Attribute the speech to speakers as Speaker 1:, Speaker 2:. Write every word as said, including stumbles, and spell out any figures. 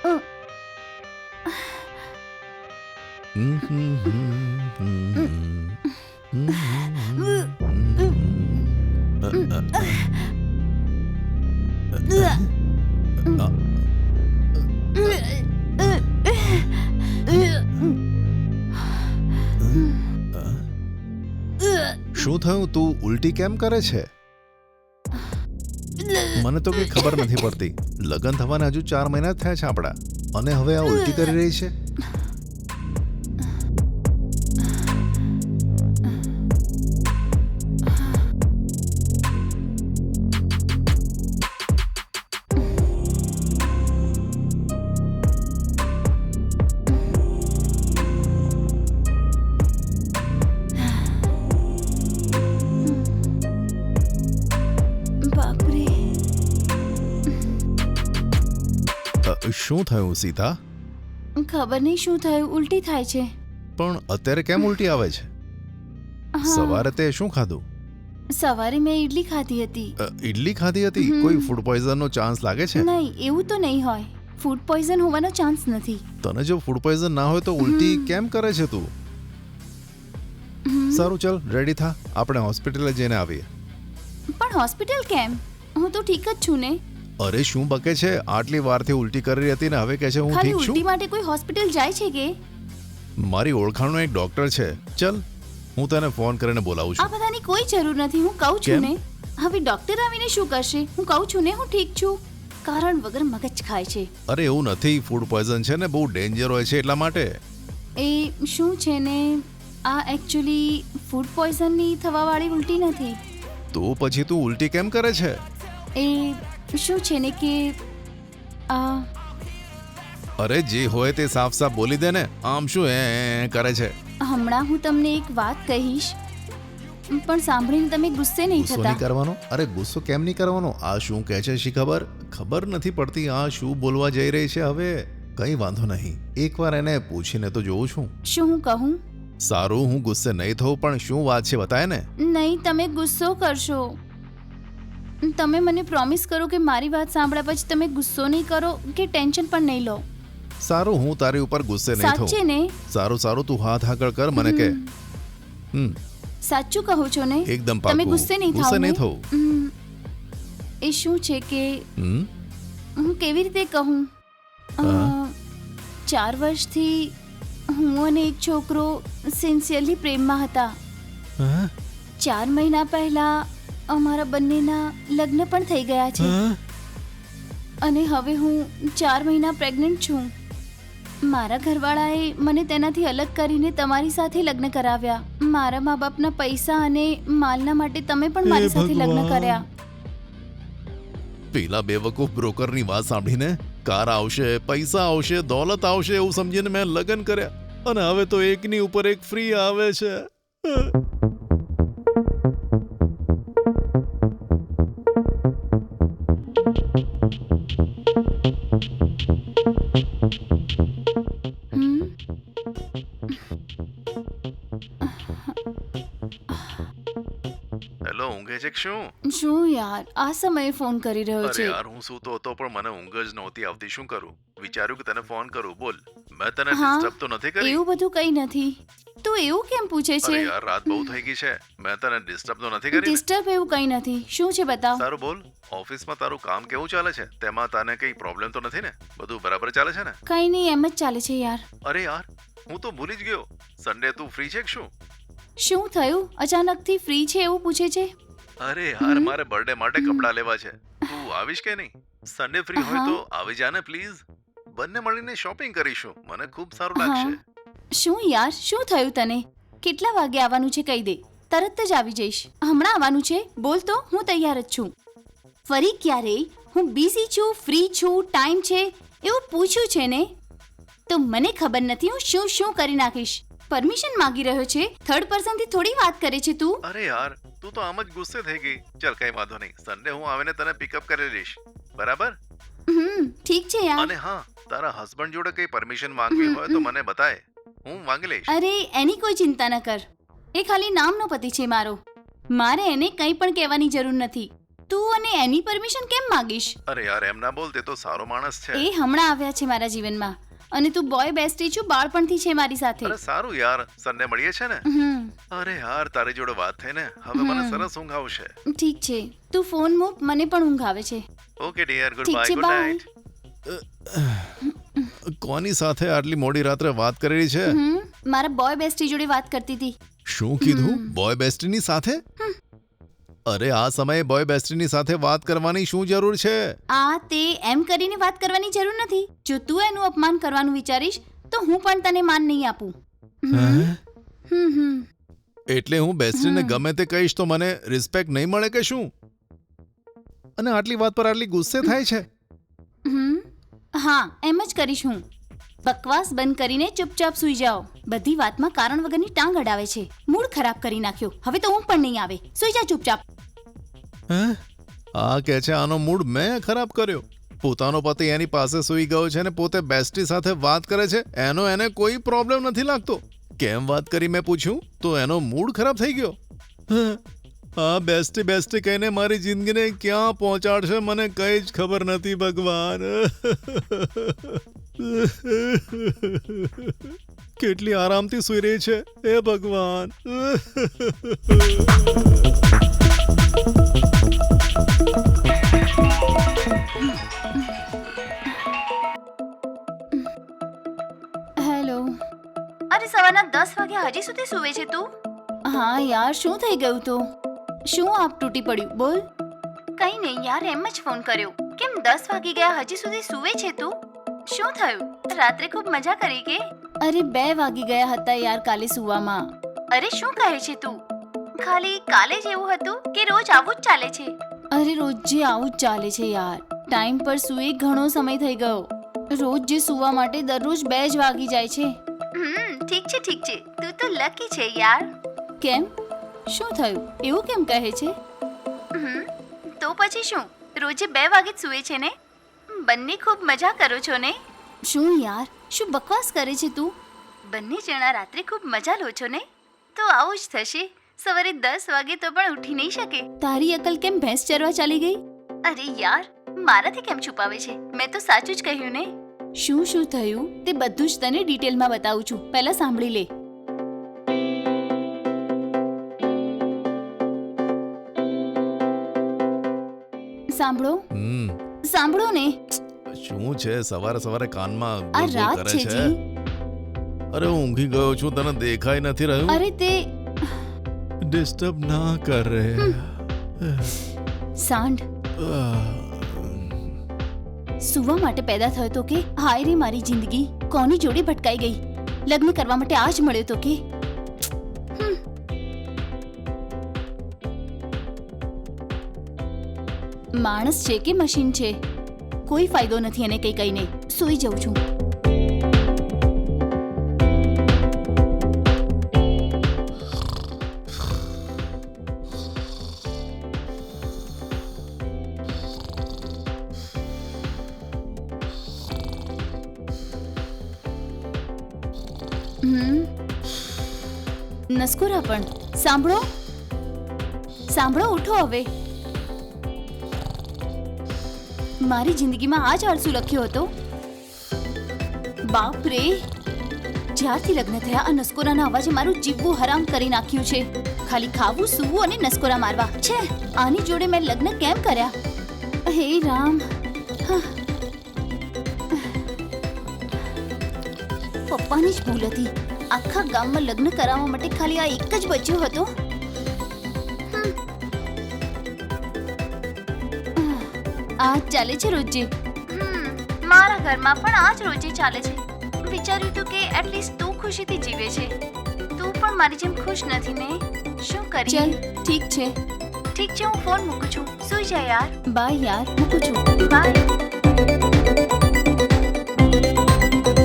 Speaker 1: શું થયું? તું ઉલટી કેમ કરે છે? મને તો કઈ ખબર નથી પડતી. લગ્ન થવાના હજુ ચાર મહિના થયા છે આપણા, અને હવે આ ઉલટી કરી રહી છે. શું થયું સીતા?
Speaker 2: ખબર નહીં શું થયું, ઉલટી થાય છે.
Speaker 1: પણ અત્યારે કેમ ઉલટી આવે છે? સવારે તે શું ખાધું?
Speaker 2: સવારે મેં ઈડલી ખાધી હતી.
Speaker 1: ઈડલી ખાધી હતી? કોઈ ફૂડ પોઈઝન નો ચાન્સ લાગે છે?
Speaker 2: નહીં, એવું તો નહીં હોય. ફૂડ પોઈઝન હોવાનો ચાન્સ નથી.
Speaker 1: તને જો ફૂડ પોઈઝન ના હોય તો ઉલટી કેમ કરે છે તું? સારું, ચલ રેડી થા, આપણે હોસ્પિટલે જઈને આવીએ.
Speaker 2: પણ હોસ્પિટલ કેમ? હું તો ઠીક જ છું ને.
Speaker 1: અરે શું બકે છે? આટલી વારથી ઉલટી કરી રહી હતી ને હવે કહે છે હું ઠીક છું.
Speaker 2: ઉલટી માટે કોઈ હોસ્પિટલ જાય છે કે?
Speaker 1: મારી ઓળખાણનો એક ડોક્ટર છે, ચલ હું તને ફોન કરીને બોલાવું છું.
Speaker 2: આ બધાની કોઈ જરૂર નથી, હું કહું છું ને. હવે ડોક્ટર આવીને શું કરશે? હું કહું છું ને હું ઠીક છું. કારણ વગર મગજ ખાય છે.
Speaker 1: અરે એવું નથી, ફૂડ પોઈઝન છે ને, બહુ ડેન્જર હોય છે એટલા માટે.
Speaker 2: એ શું છે ને, આ એકચ્યુઅલી ફૂડ પોઈઝનની થવાવાળી ઉલટી નથી.
Speaker 1: તો પછી તું ઉલટી કેમ કરે છે?
Speaker 2: એ શું છે ને કે આ
Speaker 1: અરે જે હોય તે સાફ સાફ બોલી દે ને, આમ શું એ કરે છે?
Speaker 2: હમણાં હું તમને એક વાત કહીશ, પણ સાંભળીને તમે ગુસ્સે નહીં
Speaker 1: ગુસ્સો
Speaker 2: થતા?
Speaker 1: નહીં કરવાનો. અરે ગુસ્સો કેમ નહીં કરવાનો? આ શું કહે છે શી ખબર? ખબર નથી પડતી આ શું બોલવા જઈ રહી છે. હવે કઈ વાંધો નહીં, એકવાર એને પૂછીને તો જોઉં છું.
Speaker 2: શું હું કહું?
Speaker 1: સારું, હું ગુસ્સે નહીં થઉં, પણ શું વાત છે બતાય ને.
Speaker 2: નહીં, તમે ગુસ્સો કરશો. તમે મને પ્રોમિસ કરો કે મારી વાત સાંભળ્યા પછી તમે ગુસ્સો નહીં કરો કે ટેન્શન પણ નહીં લો.
Speaker 1: સારું, હું તારી ઉપર ગુસ્સે નહીં થઉં.
Speaker 2: સાચે ને?
Speaker 1: સારું સારું, તું હાથ આગળ કર, મને કે. હમ
Speaker 2: સાચું કહો છો ને?
Speaker 1: એકદમ પાક્કું.
Speaker 2: તમે ગુસ્સે નહીં થાઓ?
Speaker 1: ગુસ્સે નહીં થવું.
Speaker 2: એ શું છે કે
Speaker 1: હમ
Speaker 2: હું કેવી રીતે કહું, ચાર વર્ષથી હું અને એક છોકરો સિન્સિયરલી પ્રેમમાં હતા. ચાર મહિના પહેલા અમારા બંનેના લગ્ન પણ થઈ ગયા છે, અને હવે હું ચાર મહિના પ્રેગ્નન્ટ છું. મારા ઘરવાળાએ મને તેનાથી અલગ કરીને તમારી સાથે લગ્ન કરાવ્યા. મારા મા બાપના પૈસા અને માલના માટે તમે પણ મારી સાથે લગ્ન કર્યા.
Speaker 1: પેલા બેવકૂફ બ્રોકરની વાત સાંભળીને કાર આવશે, પૈસા આવશે, દોલત આવશે એવું સમજીને મેં લગ્ન કર્યા, અને હવે તો એકની ઉપર એક ફ્રી આવે છે. હેલો, ઊંઘે છે કે શું?
Speaker 2: શું યાર, આ સમયે ફોન કરી રહ્યો
Speaker 1: અરે
Speaker 2: છે?
Speaker 1: યાર, હું સૂતો હતો પણ મને ઊંઘ જ નહોતી આવતી. શું કરું? વિચાર્યું કે તને ફોન કરું. બોલ, મેં તને
Speaker 2: હા,
Speaker 1: ડિસ્ટર્બ તો નથી કરી?
Speaker 2: એવું બધું કંઈ નથી. તું એવું કેમ પૂછે છે?
Speaker 1: અરે યાર, રાત બહુ થઈ ગઈ છે, મેં તને ડિસ્ટર્બ તો નથી કરી ને?
Speaker 2: ડિસ્ટર્બ એવું કંઈ નથી. શું છે બતાવ?
Speaker 1: સારું બોલ, ઓફિસમાં તારું કામ કેવું ચાલે છે? તેમાં તને કઈ પ્રોબ્લેમ તો નથી ને? બધું બરાબર ચાલે છે ને?
Speaker 2: કંઈ નહીં, એમ જ ચાલે છે યાર.
Speaker 1: અરે યાર, હું તો ભૂલી જ ગયો, સન્ડે તું ફ્રી છે કે શું?
Speaker 2: શું થયું? અચાનકથી ફ્રી છે એવું પૂછે છે?
Speaker 1: અરે યાર, મારે બર્થડે માટે કપડાં લેવા છે, તું આવીશ કે નહીં? સન્ડે ફ્રી હોય તો આવી જા ને પ્લીઝ, બંને મળીને શોપિંગ કરીશું, મને ખૂબ સારું લાગશે.
Speaker 2: શું યાર, શું થયું તને? કેટલા વાગે આવવાનું છે કહી દે, તરત જ આવી જઈશ. હમણાં આવવાનું છે? બોલ તો, હું તૈયાર જ છું. ફરી ક્યારે હું બિઝી છું, ફ્રી છું, ટાઈમ છે એવું પૂછ્યું છે ને? તો મને ખબર નથી હું શું શું કરી નાખીશ. પરમિશન માંગી રહ્યો છે, થર્ડ પર્સન થી થોડી વાત કરે છે તું.
Speaker 1: અરે યાર, તું તો આમ જ ગુસ્સે થઈ ગઈ. ચલ કઈ વાંધો નહીં, સન્ડે હું આવીને તને પિકઅપ કરી લઈશ, બરાબર?
Speaker 2: હમ ઠીક છે યાર.
Speaker 1: અને હા, તારા હસબન્ડ જોડે કઈ પરમિશન માંગવી હોય તો મને બતાય, હું માંગી લઈશ.
Speaker 2: અરે એની કોઈ ચિંતા ન કર, એ ખાલી નામનો પતિ છે મારો. મારે એને કંઈ પણ કહેવાની જરૂર નથી. તું અને એની પરમિશન કેમ માંગીશ?
Speaker 1: અરે યાર એમ ના બોલ, તે તો સારો માણસ છે.
Speaker 2: એ હમણાં આવ્યા છે મારા જીવનમાં અને તું બોય બેસ્ટી છું, બાળપણથી છે મારી સાથે.
Speaker 1: અરે સારું યાર, સન્ડે મળીએ છે ને?
Speaker 2: હમ
Speaker 1: અરે યાર તારી જોડે વાત થઈ ને, હવે મને સરસ ઊંઘ આવશે.
Speaker 2: ઠીક છે, તું ફોન મૂક, મને પણ ઊંઘ આવે છે.
Speaker 1: ઓકે ડિયર, ગુડ
Speaker 2: ઠીક
Speaker 1: બાય,
Speaker 2: છે,
Speaker 1: ગુડ
Speaker 2: બાય.
Speaker 1: નાઇટ. કોની સાથે આટલી મોડી રાત્રે વાત કરી રહી છે?
Speaker 2: હમ મારા બોય બેસ્ટી જોડે વાત કરતી હતી.
Speaker 1: શું કીધું? બોય બેસ્ટીની સાથે? અરે આ સમયે બોય બેસ્ટીની સાથે વાત કરવાની શું જરૂર છે?
Speaker 2: આ તે એમ કરીને વાત કરવાની જરૂર નથી. જો તું એનું અપમાન કરવાનું વિચારીશ તો હું પણ તને માન નહીં આપું. હમ હમ હમ
Speaker 1: એટલે હું બેસ્ટીને ગમે તે કહીશ તો મને રિસ્પેક્ટ નહીં મળે કે શું? અને આટલી વાત પર આટલી ગુસ્સે થાય છે?
Speaker 2: હમ હા, એમ જ કરીશ હું. બકવાસ બંધ કરીને ચૂપચાપ સૂઈ જાઓ. બધી વાતમાં કારણ વગરની ટાંગ અડાવે છે. મૂડ ખરાબ કરી નાખ્યો. હવે તો હું પણ નહીં આવે. સૂઈ જા ચૂપચાપ.
Speaker 1: હે? આ કે છે આનો મૂડ મેં ખરાબ કર્યો? પોતાનો પતિ એની પાસે સૂઈ ગયો છે ને પોતે બેસ્ટી સાથે વાત કરે છે, એનો એને કોઈ પ્રોબ્લેમ નથી લાગતો. કેમ વાત કરી મેં પૂછ્યું તો એનો મૂડ ખરાબ થઈ ગયો. આ બેસ્ટી બેસ્ટી કહીને મારી જિંદગીને ક્યાં પહોંચાડશે મને કઈ જ ખબર નથી ભગવાન. કેટલી આરામથી સૂઈ રહી છે હે ભગવાન.
Speaker 2: હેલો. અરે સવારના દસ વાગ્યા હજી સુધી સૂવે છે તું? હા યાર, શું થઈ ગયું તો? શું આપ તૂટી પડ્યું? બોલ. કઈ નહીં યાર, એમ જ ફોન કર્યો. કેમ દસ વાગી ગયા હજી સુધી સૂવે છે તું? શું થયું? રાત્રે ખૂબ મજા કરી કે? અરે બે વાગી ગયા હતા યાર કાલે સૂવામાં. અરે શું કહે છે તું? ખાલી કાલે જ એવું હતું કે રોજ આવું જ ચાલે છે? અરે રોજ જે આવું જ ચાલે છે યાર. ટાઈમ પર સૂએ ઘણો સમય થઈ ગયો. રોજ જે સૂવા માટે દરરોજ બે જ વાગી જાય છે. હમ ઠીક છે ઠીક છે, તું તો લકી છે યાર. કેમ? શું થયું? એવું કેમ કહે છે? હમ તો પછી શું, રોજે બે વાગે જ સૂવે છે ને? બંને ખૂબ મજા કરો છો ને? શું યાર, શું બકવાસ કરે છે તું? બંને જણા રાત્રે ખૂબ મજા લો છો ને? તો આવું જ થશે. સવારે દસ વાગે તો પણ ઉઠી નહીં શકે. તારી અકલ કેમ ભેંસ ચરવા ચાલી ગઈ? અરે યાર, મારાથી કેમ છુપાવે છે? મેં તો સાચું જ કહ્યું ને. શું શું થયું તે બધું જ તને ડિટેલમાં બતાવું છું. પહેલા સાંભળી લે. સાંભળો સાંભળો ને.
Speaker 1: શું છે સવારે સવારે કાનમાં
Speaker 2: આ
Speaker 1: ગુલગુલ
Speaker 2: રાત
Speaker 1: કરે
Speaker 2: છે
Speaker 1: છે?
Speaker 2: જી.
Speaker 1: અરે હું ઊંઘી ગયો છું, તને દેખાઈ નથી રહ્યું?
Speaker 2: અરે તે
Speaker 1: ડિસ્ટર્બ ના કર રે.
Speaker 2: સાંઢ સુવા માટે પેદા થયો તો કે? હાય રે મારી જિંદગી, કોની જોડે ભટકાઈ ગઈ? લગ્ન કરવા માટે આજ મળ્યો તો કે? માણસ છે કે મશીન છે? કોઈ ફાયદો નથી એને કઈ કઈને. સૂઈ જઉં છું. હમ નસકોરા પણ સાંભળો સાંભળો ઉઠો હવે. મારી જિંદગીમાં આ જ આળસુ લખ્યો હતો. બાપ રે, જ્યારથી લગ્ન થયા આ નસકોરાના અવાજે મારું જીવવું હરામ કરી નાખ્યું છે. ખાલી ખાવું, સૂવું અને નસકોરા મારવા છે. આની જોડે મેં લગ્ન કેમ કર્યા? હે રામ. પપ્પાની જ ભૂલ હતી. આખા ગામમાં લગ્ન કરાવવા માટે ખાલી આ એક જ બચ્યો હતો. આ જ ચાલે છે રોજે. મારા ઘરમાં પણ આ જ રોજે ચાલે છે. વિચાર્યું તું કે એટલીસ્ટ તું ખુશીથી જીવે છે. તું પણ મારી જેમ ખુશ નથી ને? શું કરીએ? ચલ ઠીક છે ઠીક છે, હું ફોન મૂકું છું. સુઈ જા યાર. બાય યાર, મૂકું છું. બાય.